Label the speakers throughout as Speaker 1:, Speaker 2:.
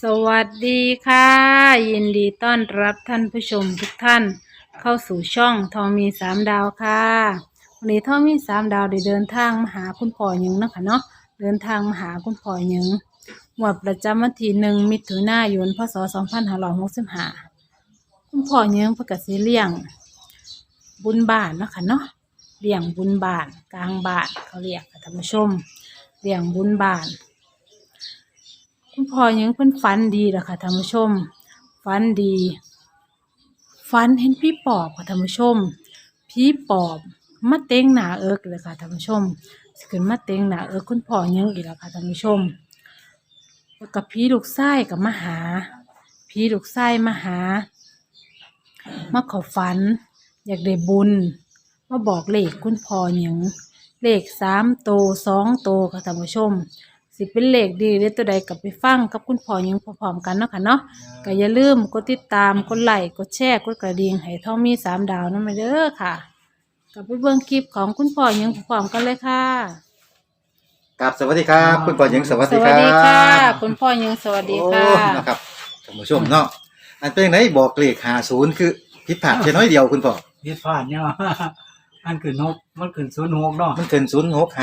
Speaker 1: สวัสดีค่ะยินดีต้อนรับท่านผู้ชมทุกท่านเข้าสู่ช่องทองมีสามดาวค่ะวันนี้ทองมีสามดาวได้เดินทางมาหาคุณพ่อหยังนะคะเนาะเดินทางมาหาคุณพ่อหยังงวดประจำวันที่1 มิถุนายนพ.ศ. 2565คุณพ่อหยังเพิ่นก็สิเลี้ยงบุญบ้านเนาะค่ะเนาะเลี้ยงบุญบ้านกลางบ้านเขาเรียกค่ะท่านผู้ชมเลี้ยงบุญบ้าน คุณพ่อยังเพิ่นฝันดีล่ะค่ะท่านผู้ชมฝันดีฝันเห็นผีปอบค่ะท่านผู้ชมผีปอบมาเต็งหน้าเอิกเลยค่ะท่านผู้ชมสิขึ้นมาเต็งหน้าเอิกคุณพ่อยังอีกแล้วค่ะท่านผู้ชมแล้วกับผีลูกไส้กับมาหาผีลูกไส้มาหามาขอฝันอยากได้บุญมาบอกเลขคุณพ่อยังเลข3 โตว2 โตวค่ะท่านผู้ชมสิเป็นเลขดีหรือตัวใดกับไปฟังกับคุณพ่อยังพร้อมๆกันเนาะค่ะเนาะก็อย่าลืมกดติดตามกดไลค์กดแชร์กดกระดิ่งให้ทองมีสามดาวนั่นไปเด้อค่ะกลับไปเบิ่งคลิปของคุณพ่อยังพร้อมๆกันเลยค่ะ
Speaker 2: ครับสวัสดีครับคุณพ่อหญิงสวัส
Speaker 1: ส
Speaker 2: ดีค
Speaker 1: วั
Speaker 2: รั
Speaker 1: ส
Speaker 2: บ
Speaker 1: ดีค่ะคุณพ่อยังสวัสดีค่ะ
Speaker 2: นะครับท่านผู้ชมเนาะอันเป็นไหนบอกเลข50คือผิดพลาดแค่น้อยเดียวคุณพ่อ
Speaker 3: ผิดพลาดเนี่ย มันขึ้น6มันขึ้น06เนาะ
Speaker 2: มันขึ้น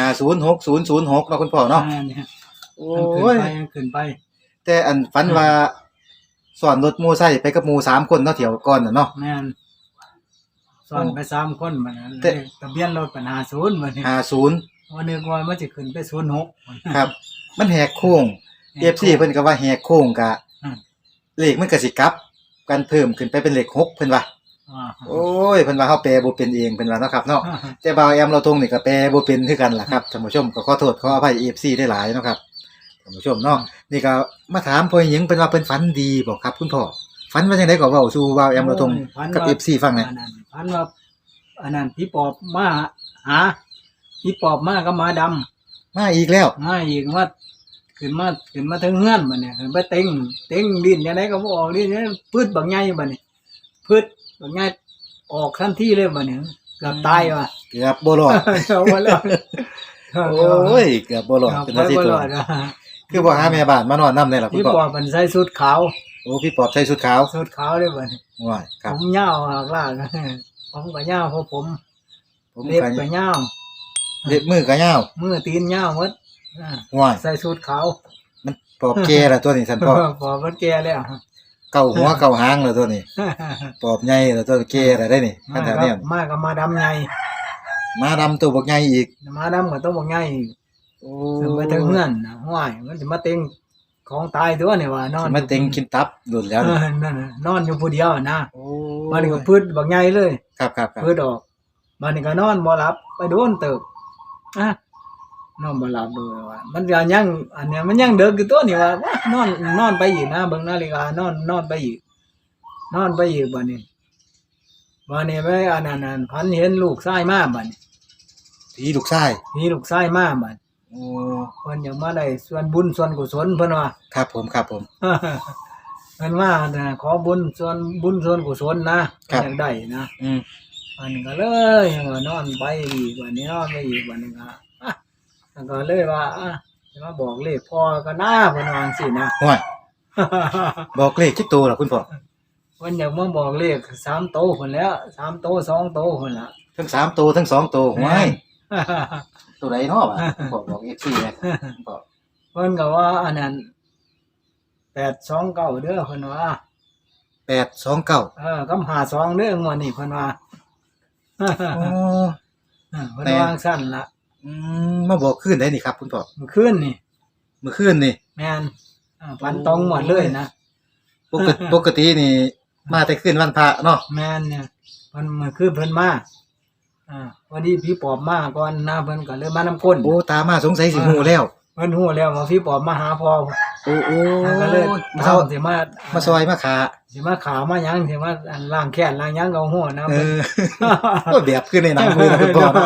Speaker 2: 06506006เนาะคุณพ่อเนาะ
Speaker 3: เนี่ย
Speaker 2: โอ้
Speaker 3: มันขึ้นไป
Speaker 2: แต่อันฝันว่าสอนรถหมู่ไซค์ไปกับหมู่3คนเนาะเที่ยวก่อนน่ะเนาะ
Speaker 3: แม่นสอนไป3คนบัดนั้น
Speaker 2: แต่
Speaker 3: ทะเบียนรถเป็น50บัดนี้
Speaker 2: 50
Speaker 3: วันนึกว่ามันสิขึ้นไป06
Speaker 2: ครับ มันแหกโค้ง FC เพิ่นก็ว่าแหกโค้งกะ
Speaker 3: อืม
Speaker 2: เลขมันก็สิกลับกันเพิ่มขึ้นไปเป็นเลข6เพิ่นว่า
Speaker 3: อ่า
Speaker 2: โอ้ยเพิ่นว่าเฮาแปลบ่เป็นเองเพิ่นว่าเนาะครับเนาะ แต่บ่าวแอมเราตรงนี่ก็แปลบ่เป็นคือกันล่ะครับท่านผู้ชมก็ขอโทษขออภัย FC ได้หลายเนาะครับท่านผู้ชมเนาะนี่ก็มาถามพ่อหญิงเพิ่นว่าเพิ่นฝันดีบ่ครับคุณพ่อฝันว่าจังได๋ก็เว้าสู่บ่าวแอมเราตรงกับ FC ฟังหน่อย
Speaker 3: พันว่าอันนั้นผีปอบมาหาผีปอบมาก็มาดำ
Speaker 2: มาอีกแล้ว
Speaker 3: มาอีกว่าขึ้นมาถึงเฮือนบัดนี้ขึ้นไปเต็งดินจังได๋ก็บ่ออกดินพืชบักใหญ่บัดนี้พืชบักใหญ่ออกทันทีเลยบัดนี้เกือบตายว่ะ
Speaker 2: เกือบบ่รอด
Speaker 3: เอาบ่รอด
Speaker 2: โอ้ยเกือบบ่รอดเป็น
Speaker 3: เอา
Speaker 2: อาทิตย์
Speaker 3: บ่
Speaker 2: ตั
Speaker 3: ร
Speaker 2: ว
Speaker 3: อดอะ
Speaker 2: คือบ่หาแม่บ้านมานอนนำได้ล่ะคุ
Speaker 3: พี่
Speaker 2: ณพ่อ
Speaker 3: ปอบมันใส่ชุดขาว
Speaker 2: โอ้พี่ปอบใส่ชุดขาว
Speaker 3: เลยบัดนี้
Speaker 2: ว้ายค
Speaker 3: ผ
Speaker 2: รับ
Speaker 3: มยาวหากลากผมก็ยาวเพราะผม
Speaker 2: ผม
Speaker 3: เล็บ
Speaker 2: ก็
Speaker 3: ก็ยาว
Speaker 2: เล็บมือก็ยาว
Speaker 3: มือตีนยาวหมดอ่า
Speaker 2: ว้าย
Speaker 3: ใส่ชุดขาว
Speaker 2: มันปอบแก่ล่ะตัวนี้ท่านพ่อ
Speaker 3: ปอบมันแก่แล้ว
Speaker 2: เก่าหัวเก่าหางแล้วตัวนี้ปอบใหญ่แล้วตัวแก่แล้วได้นี่คันแถวเนี้ย
Speaker 3: มาก็มาดำใหญ่
Speaker 2: มาดำตัวบักใหญ่อีก
Speaker 3: มาดำก็ต้องบอกใหญ่
Speaker 2: โอ้
Speaker 3: ถึงไปถึงเฮือนน่ะห้วยมันสิมาเต็งของตายตัวนี่ว่านอน
Speaker 2: มันเต็งกินตับหลุดแล้ว
Speaker 3: เอ
Speaker 2: นี่
Speaker 3: อนั่นน่ะนอนอยู่ผู้เดียวนะ
Speaker 2: โอ้
Speaker 3: มันก็พืชบักใหญ่เลย
Speaker 2: ครับครับครับ
Speaker 3: พืชออกมันก็นอนบ่หลับไปโดนเติบอ่ะนอนบ่หลับเลยว่ามันก็ยังอันเนี้ยมันยังเด็กอยู่ตัวนี่ว่าว้านอนไปอีกนะเบิ่งนาฬิกานอนไปอีกบัดนี้ไปอันนั้นพันเห็นลูกชายมาบัดนี้
Speaker 2: ผีลูกชาย
Speaker 3: มีลูกชายมาบัด
Speaker 2: โอ้
Speaker 3: เพิ่นอยากมาได้ส่วนบุญส่วนกุศลเพิ่นว่า
Speaker 2: ครับผมครับผม
Speaker 3: เพิ่นว่าน่ะขอบุญส่วนกุศลนะครับ อยากได้นะ
Speaker 2: อืม
Speaker 3: อันนี้ก็เลยว่านอนไปอีกวันนี้นอนไปอีกวันนึงอ่ะแล้วก็เลยว่าจะมาบอกเลขพ่อก็น่าเพิ่นว่าจังซี่นะ
Speaker 2: ห่วยบอกเลขคิดตัวเหรอคุณพ่อ
Speaker 3: เพิ่นอยากมาบอกเลข3 โตวพุ่นแล้ว3 โตว2 โตวพุ่นล่ะ
Speaker 2: ทั้ง3ตัวทั้ง2ตัวห่วยตัวใดเนาะวะคุณพ่อบอก FC นะคุณพ่อ
Speaker 3: เพิ่นก็ว่าอันนั้น829เด้อเพิ่นว่า
Speaker 2: 829
Speaker 3: กำ52เด้องวดนี้เพิ่นว่า
Speaker 2: โอ้
Speaker 3: เพิ่นวางสั้นละ
Speaker 2: มาบอกคืนได้นี่ครับคุณพ่อ
Speaker 3: เมื่อคืนนี่
Speaker 2: เมื่อคืนนี่
Speaker 3: แม่นฟันตรงหมดเลยนะ
Speaker 2: ปกตินี่มาแต่คืนวันพระเนาะ
Speaker 3: แม่นเนี่ยเพิ่นเมื่อคืนเพิ่นมาวันนี้พี่ปอบมาก่อนนะเพิ่นก็เลยมานำก้น
Speaker 2: โอ้ตามาสงสัยสิฮู้แล้ว
Speaker 3: เพิ่นฮู้แล้วว่าพี่ปอบมาหาพ่อ
Speaker 2: โอ้โอ้
Speaker 3: ก็เลย
Speaker 2: มาเซา
Speaker 3: สิมา
Speaker 2: มาซอยมาขา
Speaker 3: สิมาขาวมาหยังสิมาอันล้างแค้นล้างหยังก็ฮู้นะ
Speaker 2: เออก็แบบคือในหนังเลยนะคุณพ่อเนาะ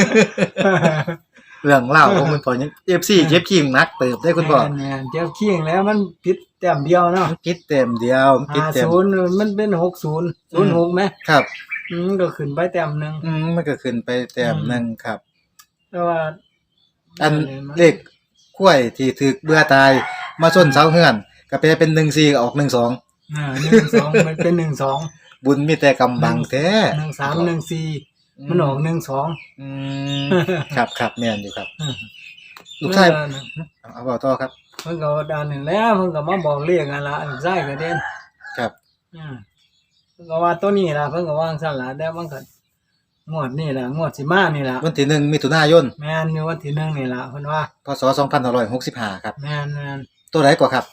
Speaker 2: เรื่องเล่าของคุณพ่อยัง FC เจ็บขิงนักเติบได้คุณพ่อ
Speaker 3: แม่นเจ้าเคียงแล้วมันผิดแต้มเดียวเนาะ
Speaker 2: มันคิดเต็มเดียวมันคิดเต็ม
Speaker 3: 50มันเป็น60 06มั้ย
Speaker 2: ครับ
Speaker 3: ก็ขึ้นไปแต้มหนึง
Speaker 2: มันก็ขึ้นไปแต้มหนึงครับ
Speaker 3: แต่ว่า
Speaker 2: อันเลขกล้วยที่ถูกเบื่อตายมาชนเสาเฮือนก็แปลเป็น14ออก12
Speaker 3: 12มันเป็น12
Speaker 2: บุญมีแต่กำบังแท้
Speaker 3: 13 14มันออก12
Speaker 2: อืมครับแม่นอยู่ครับ ลูกชายเอาเว้าต่อครับ
Speaker 3: เพิ่นก็ดันนี่แหล้วเพิ่นก็มาบอกเลขนั่นล่ะลูกชายก็เด่น
Speaker 2: ครับ
Speaker 3: เพิ่นก็ว่าตัวนี้ล่ะเพิ่นก็ว่าจั่งซั่นล่ะแต่มันก็งวดนี้ล่ะงวดสิมานี่ล่ะ
Speaker 2: วันที่1มิถุนายน
Speaker 3: แม่นอยู่วันที่1นี่ล่ะเพิ่นว่า
Speaker 2: พศ2565ครับ
Speaker 3: แม่น
Speaker 2: ตัวไหนกว่าครับ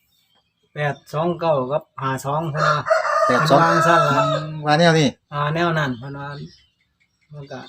Speaker 3: 829กับ52เพิ่นว่า
Speaker 2: 82
Speaker 3: เพิ่นว่าจั่งซั่นล่ะ
Speaker 2: ว่าแนวนี้
Speaker 3: แนวนั้นเพิ่นว่ามันก็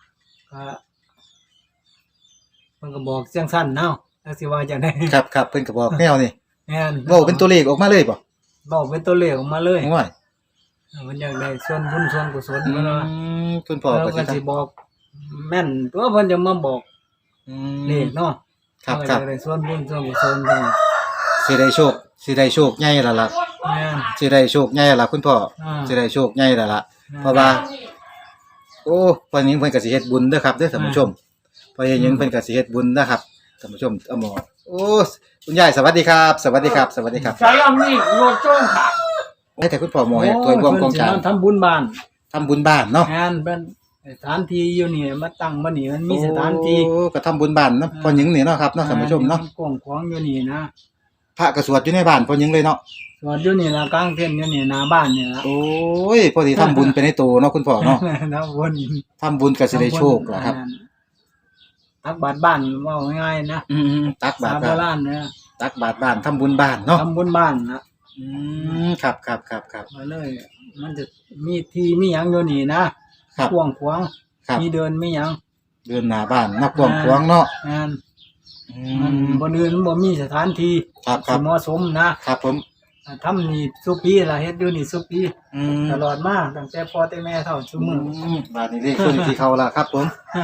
Speaker 3: มันก็บอกจังซั่นเนาะจักสิว่าจังได๋
Speaker 2: ครับเพิ่นก็บอกแนวนี้
Speaker 3: แม่น
Speaker 2: เว้าเป็นตัวเลขออกมาเลยบ่
Speaker 3: บอกเป็นตัวเลขออกมาเลย
Speaker 2: โอ้ย
Speaker 3: มันอยากได้ส่วนบุญส่วนกุศลเพิ่นว่า
Speaker 2: คุณพ่อ
Speaker 3: แล้ว
Speaker 2: ก็
Speaker 3: ก็
Speaker 2: สิ
Speaker 3: สิบอกแม่นตัวเพิ่นจะมาบอกเลขเนาะ
Speaker 2: ครับ
Speaker 3: เพิ่นก็ได้ส่วนบุญส่วนกุศลเพิ่น
Speaker 2: สิได้โชคใหญ่แล้วล่ะ
Speaker 3: แม่น
Speaker 2: สิได้โชคใหญ่แล้วล่ะคุณพ่อ
Speaker 3: อ่า
Speaker 2: สิได้โชคใหญ่แล้วล่ะเพราะว่า โอ้เพิ่นนี้เพิ่นก็สิเฮ็ดบุญเด้อครับเด้อท่านผู้ชมเพราะอย่างหยังเพิ่นก็สิเฮ็ดบุญนะครับท่านผู้ชมเอาหมอโอ้คุณยายสวัสดีครับ สวัสดีครับ สวัสดีครับ
Speaker 4: สารนี่โลดจ้องขาด
Speaker 2: ให้แต่คุณพ่อหมอให้ตัวรวมกองกลาง
Speaker 3: เพิ่นสิมาทำบุญบ้าน
Speaker 2: ทำบุญบ้านเนาะ
Speaker 3: แม่นเป็นสถานที่อยู่นี่มาตั้งบ่นี่มันมีสถานที่
Speaker 2: โอ้ก็ทำบุญบ้านเนาะพ่อหญิงนี่เนาะครับเนาะท่านผู้ชมเนาะ
Speaker 3: กว้างขวางอยู่นี่นะ
Speaker 2: พระก็สวดอยู่ในบ้านพ่อหญิงเลยเนาะ
Speaker 3: สวดอยู่นี่ล่ะกลางเต็นท์อยู่นี่หน้าบ้านนี่ล่ะ
Speaker 2: โอ้ยพอดีทำบุญไปในตัวเนาะคุณพ่อเนาะ
Speaker 3: นะบุญ
Speaker 2: ทำบุญก็สิได้โชคล่ะครับ
Speaker 3: ตักบาตรบ้านว่าง่ายๆนะ
Speaker 2: อืมตักบา
Speaker 3: สา
Speaker 2: ตร
Speaker 3: โบ
Speaker 2: บ้าน
Speaker 3: ราณเนี่ย
Speaker 2: ตักบาตรบ้านทำบุญบ้านเนาะ
Speaker 3: ทำบุญบ้านนะ
Speaker 2: อืมครับ
Speaker 3: มาเลย มันจะมีที่มีหยังอยู่นี่นะครับ กว้างขวาง
Speaker 2: ครับ
Speaker 3: มีเดินมีหยัง
Speaker 2: เดินหน้าบ้านนักกว้างขวางเนาะ
Speaker 3: งาน
Speaker 2: อื
Speaker 3: มัน
Speaker 2: ม
Speaker 3: บ่อื่นมันบ่มีสถานที่
Speaker 2: ครับ
Speaker 3: ที่เหมาะสมนะครับ
Speaker 2: ผม
Speaker 3: ทำนี่สุปีล่ะเฮ็ดอยู่นี่สุปี
Speaker 2: อืม
Speaker 3: ตลอดมาตั้งแต่พ่อแต่แม่เฒ่าซุมื้อ
Speaker 2: บ้านนี้เลขตัวนี้ที่เขาล่ะครับผม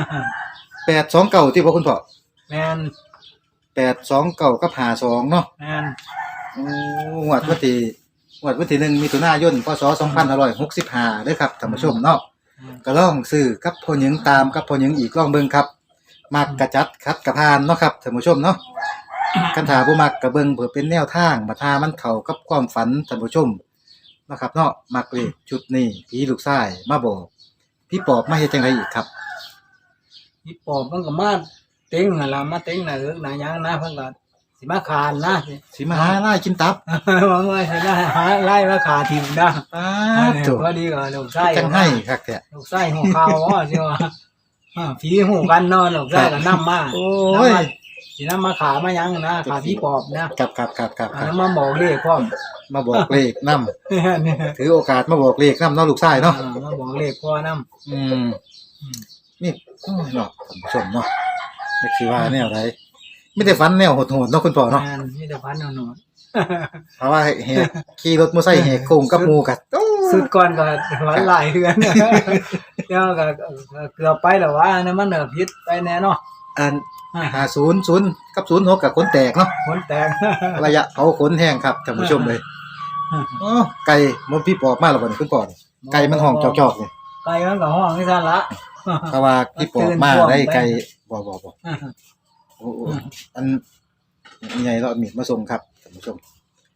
Speaker 2: 829ที่พ่อคุณพ่อ
Speaker 3: แม่น
Speaker 2: 829กับ52เนาะ
Speaker 3: แม่น
Speaker 2: โอ้งวดวันที่1มิถุนายนพศ2565เด้อครับท่านผู้ชมเนาะก็ลองซื้อกับพ่อหญิงตามกับพ่อหญิงอีกลองเบิ่งครับมักกะจัดคัดกะพานเนาะครับท่านผู้ชมเนาะ คันถาบ่มักก็เบิ่งเพื่อเป็นแนวทางบัดหามันเข้ากับความฝันท่านผู้ชมเนาะครับเนาะมักเลขชุดนี้ผีลูกชายมาบอกพี่ปอบมาเฮ็ดจังไดอีกครับ
Speaker 3: พี่ปอบมันก็มาเต็งนั่นล่ะมาเต็งน่ะเอิกน่ะหยังนะเพิ่นก็สิมาคานนะ
Speaker 2: สิมาหาล่ากินตับ
Speaker 3: หวังว่าสิได้หาไล่มาขาถิ่มนะ
Speaker 2: อ้า
Speaker 3: เนี่ย
Speaker 2: ถูก
Speaker 3: พอดีก็ลูกไส้
Speaker 2: จังให้คักแท้
Speaker 3: ลูกไส้หูข่าวว่าสิว่าผีหูกันเนาะลูกไส้ก็นำมา
Speaker 2: โอ้
Speaker 3: นำ
Speaker 2: ย
Speaker 3: มาสินำมาขามาหยังนะขาผีปอบนะครับ นำมาบอกเลขพร้อม
Speaker 2: มาบอกเลขนำ
Speaker 3: เนี่ย
Speaker 2: ถือโอกาสมาบอกเลขนำเนาะลูกชายเนาะ
Speaker 3: มาบอกเลขพ่อนำ
Speaker 2: อืมนี่โอ้ยเนาะท่านผู้ชมเนาะจักสิว่าแนวใดไม่ได้ฝันแนวโหดๆเนาะคุณพ่อเนาะ
Speaker 3: มีแต่พันหนอน
Speaker 2: เพราะว่าแหกขี่รถมอไซค์แหกโค้งกับหมู่กันโอ้
Speaker 3: สุดก่อนก็หวานหลายเดือนแล้วก็เกือบไปแล้วว่านั่นมันผิดไปแน่เนาะ
Speaker 2: อัน50กับ06กับคนแตกเนาะ
Speaker 3: ผลแตก
Speaker 2: ระยะเผาขนแห้งครับท่านผู้ชมเลยโอ้ไก่มันพี่ปอบมาแล้วบ่นี่คุณปอบไก่มันห้องจอกๆนี่
Speaker 3: ไก่มันก็ห้องที่ซั่นละ
Speaker 2: เพราะว่าพี่ปอบมาได้ไก่บ่โอ้อันใหญ่เราเอามีดมาส่งครับท่านผู้ชม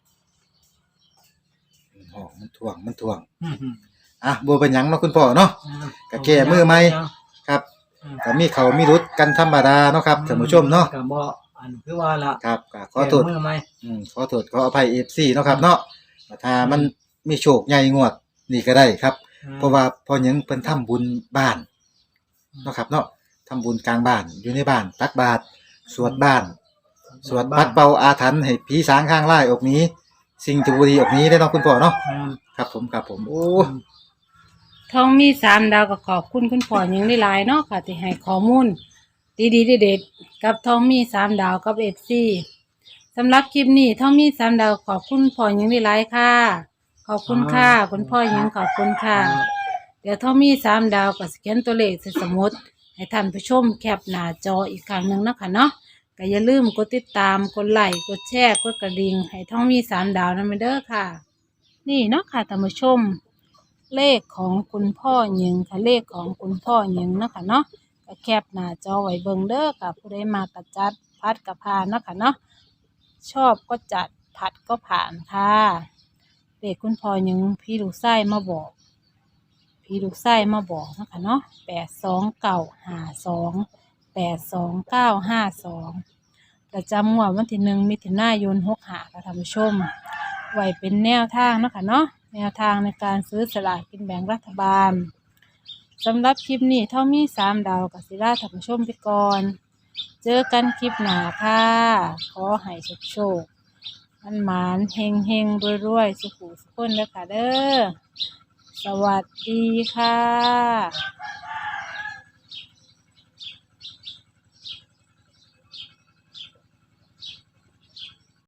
Speaker 2: ห้องมันถ่วงอ่ะบ่เป็นหยังเนาะคุณพ่อเนาะ ก็แก้มือใหม่ ครับก็มีเขามีรุดกันธรรมดาเนาะครับท่านผู้ชมเนาะ
Speaker 3: ก็บ่อันคือว่าล่ะ
Speaker 2: ครับก็ขอโทษ
Speaker 3: แก้มือใหม่
Speaker 2: ขอโทษขออภัย FC เนาะครับเนาะถ้ามันมีโชคใหญ่งวดนี่ก็ได้ครับ เพราะว่าพอหยังเพิ่นทำบุญบ้านเนาะครับเนาะทำบุญกลางบ้านอยู่ในบ้านตักบาตรสวดบ้าน สวดปัดเป่าอาถรรพ์ให้ผีสางข้างไล่ออกหนี้ สิ่งที่บ่ดีออกหนี้ได้เนาะคุณพ่อเนาะครับผมโอ้
Speaker 1: ทองมี3 ดาวก็ขอบคุณคุณพ่อหยังหลายๆเนาะค่ะที่ให้ข้อมูลดีๆเด็ดๆกับทองมี3 ดาวกับ FC สำหรับคลิปนี้ทองมี3 ดาวขอบคุณพ่อหยังหลายๆค่ะขอบคุณค่ะคุณพ่อหยังขอบคุณค่ะ เดี๋ยวทองมี3 ดาวก็สแกนตัวเลขใส่สมุดให้ท่านผู้ชมแคปหน้าจออีกครั้งหนึงเนาะค่ะเนาะก็อย่าลืมกดติดตามกดไลค์กดแชร์กดกระดิ่งให้ทองมี3 ดาวนำเด้อค่ะ นี่เนาะค่ะท่านผู้ชม เลขของคุณพ่อหญิงค่ะเลขของคุณพ่อหญิงเนาะค่ะเนาะก็แคปหน้าจอไว้เบิ่งเด้อค่ะผู้ใดมากระจัดพัดกระพานเนาะค่ะเนาะชอบก็จัดผัดก็ผ่านค่ะเด็กคุณพ่อยังพี่ลูกไส้มาบอก พี่ลูกไส้มาบอกนะคะเนาะ82 9 5 2 82 9 5 2ประจำงวดวันที่1 มิถุนายน65ค่ะท่านผู้ชมไว้เป็นแนวทางเนาะค่ะเนาะแนวทางในการซื้อสลากกินแบ่งรัฐบาลสำหรับคลิปนี้เท่ามี3 ดาวกับศิลาท่านผู้ชมไปก่อนเจอกันคลิปหน้าค่ะขอให้โชคมันหมานเฮงเฮงรวยๆสุขุสุขคนเด้อค่ะเด้อสวัสดีค่ะ